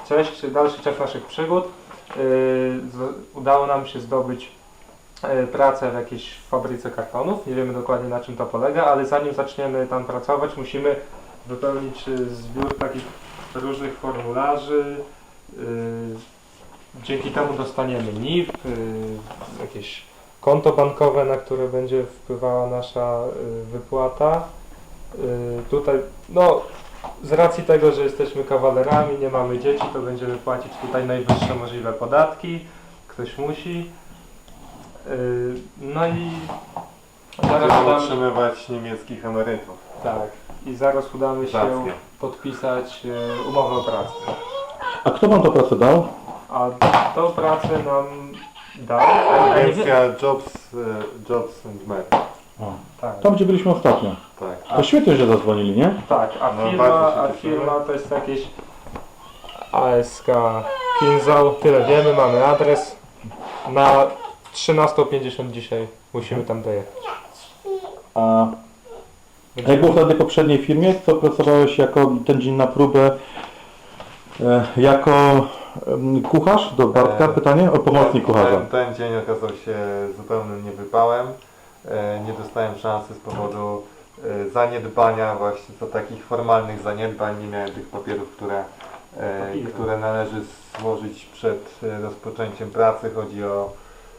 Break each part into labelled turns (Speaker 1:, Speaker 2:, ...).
Speaker 1: dalszy ciąg naszych przygód. Udało nam się zdobyć pracę w jakiejś fabryce kartonów. Nie wiemy dokładnie, na czym to polega, ale zanim zaczniemy tam pracować, musimy wypełnić zbiór takich różnych formularzy. Dzięki temu dostaniemy NIP, jakieś konto bankowe, na które będzie wpływała nasza wypłata. Tutaj, no, z racji tego, że jesteśmy kawalerami, nie mamy dzieci, to będziemy płacić tutaj najwyższe możliwe podatki. Ktoś musi. No i
Speaker 2: Będziemy utrzymywać niemieckich emerytów.
Speaker 1: tak, i zaraz udamy się podpisać umowę o pracę.
Speaker 3: A kto wam tę pracę dał?
Speaker 1: A tą pracę nam dał
Speaker 2: Agencja Jobs and Med.
Speaker 1: tak.
Speaker 3: Tam, gdzie byliśmy ostatnio.
Speaker 2: Tak.
Speaker 3: To świetnie, że zadzwonili, nie?
Speaker 1: Tak,
Speaker 2: No,
Speaker 1: firma,
Speaker 2: bardzo się cieszymy.
Speaker 1: to jest jakieś ASK Kinzał, tyle wiemy, mamy adres. Na 13:50 dzisiaj musimy tam dojechać.
Speaker 3: A jak było wtedy w poprzedniej firmie, to pracowałeś jako ten dzień na próbę jako kucharz do Bartka? Pytanie o pomocnik kucharza.
Speaker 2: Ten dzień okazał się zupełnym niewypałem. Nie dostałem szansy z powodu zaniedbania, właśnie co takich formalnych zaniedbań. Nie miałem tych papierów, które należy złożyć przed rozpoczęciem pracy. Chodzi o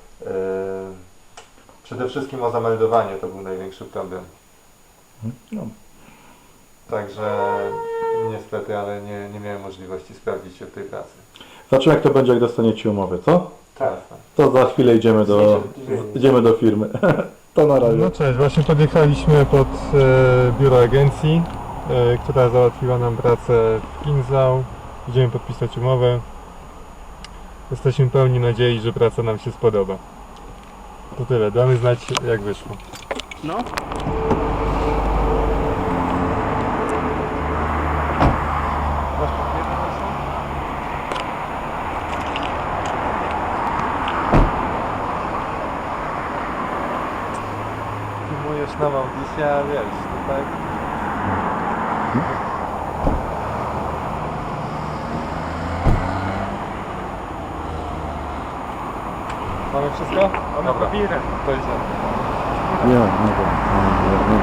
Speaker 2: przede wszystkim o zameldowanie, to był największy problem.
Speaker 3: No.
Speaker 2: Także niestety, ale nie miałem możliwości sprawdzić się w tej pracy.
Speaker 3: Zobaczymy, jak to będzie, jak dostaniecie umowę, co?
Speaker 1: Tak.
Speaker 3: To za chwilę idziemy do firmy. To na razie.
Speaker 4: No cześć, właśnie podjechaliśmy pod biuro agencji, która załatwiła nam pracę w Kinzau. Idziemy podpisać umowę. Jesteśmy pełni nadziei, że praca nam się spodoba. To tyle, damy znać jak wyszło.
Speaker 5: No.
Speaker 2: Filmujesz nam audycję, a wiesz, tutaj... Mamy wszystko? Mamy papiery. To idziemy.
Speaker 3: Nie, nie.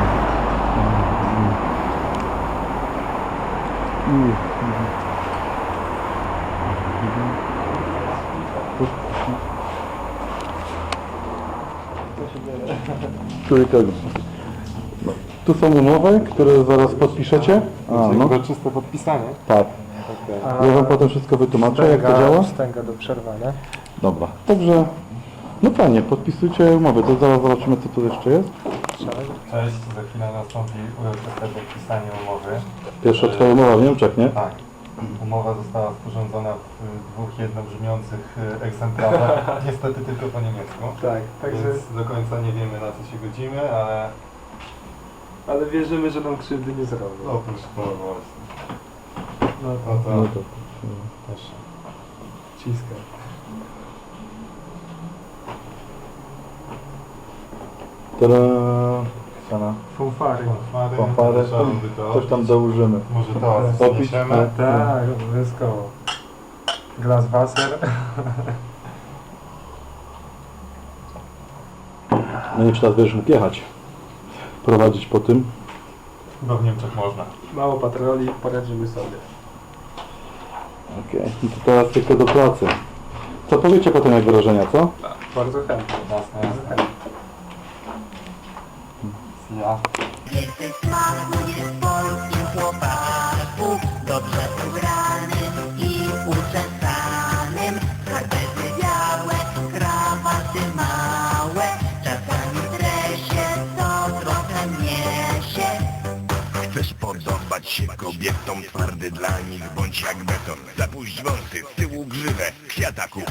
Speaker 3: No. Tu są umowy, które zaraz podpiszecie. A, no.
Speaker 2: Uroczyste podpisanie.
Speaker 3: Tak. Ja wam potem wszystko wytłumaczę, jak to działa.
Speaker 1: Wstęga do przerwania.
Speaker 3: Dobra. Także, no fajnie, podpisujcie umowy. To zaraz zobaczymy, co tu jeszcze jest.
Speaker 2: Cześć, za chwilę nastąpi uroczyste podpisanie umowy.
Speaker 3: Pierwsza twoja umowa w Niemczech, nie?
Speaker 2: Tak. Umowa została sporządzona w dwóch jednobrzmiących egzemplarzach, niestety tylko po niemiecku.
Speaker 1: Tak, także...
Speaker 2: Więc do końca nie wiemy, na co się godzimy, ale
Speaker 1: Ale wierzymy, że nam krzywdy nie zrobią.
Speaker 2: oprócz tego właśnie.
Speaker 1: No
Speaker 2: No to
Speaker 3: No to.
Speaker 2: też.
Speaker 1: ciska.
Speaker 3: Tada! Sana.
Speaker 1: Fanfary.
Speaker 3: Fanfary.
Speaker 2: Trzeba by to
Speaker 3: Coś tam dołożymy.
Speaker 2: Może to
Speaker 3: Popić?
Speaker 2: zniesiemy.
Speaker 1: Tak, obywatkowo. Glas Wasser.
Speaker 3: No nie, czy teraz będziesz mógł jechać. Prowadzić po tym.
Speaker 2: Chyba w Niemczech można.
Speaker 1: Mało patroli, poradzimy sobie.
Speaker 3: Okej, no to teraz tylko do pracy. Co powiecie potem jak wrażenia, co?
Speaker 1: Bardzo chętnie.
Speaker 2: Jasne, jasne. Ja.
Speaker 6: Więcej smaku jest w polskim chłopaku, dobrze ubranym i uczesanym. Skarpety białe, krawaty małe, czasami w dresie to trochę niesie.
Speaker 7: Chcesz podobać się kobietom, twardy dla nich bądź jak beton. Zapuść wąsy, z tyłu grzywę, kwiataków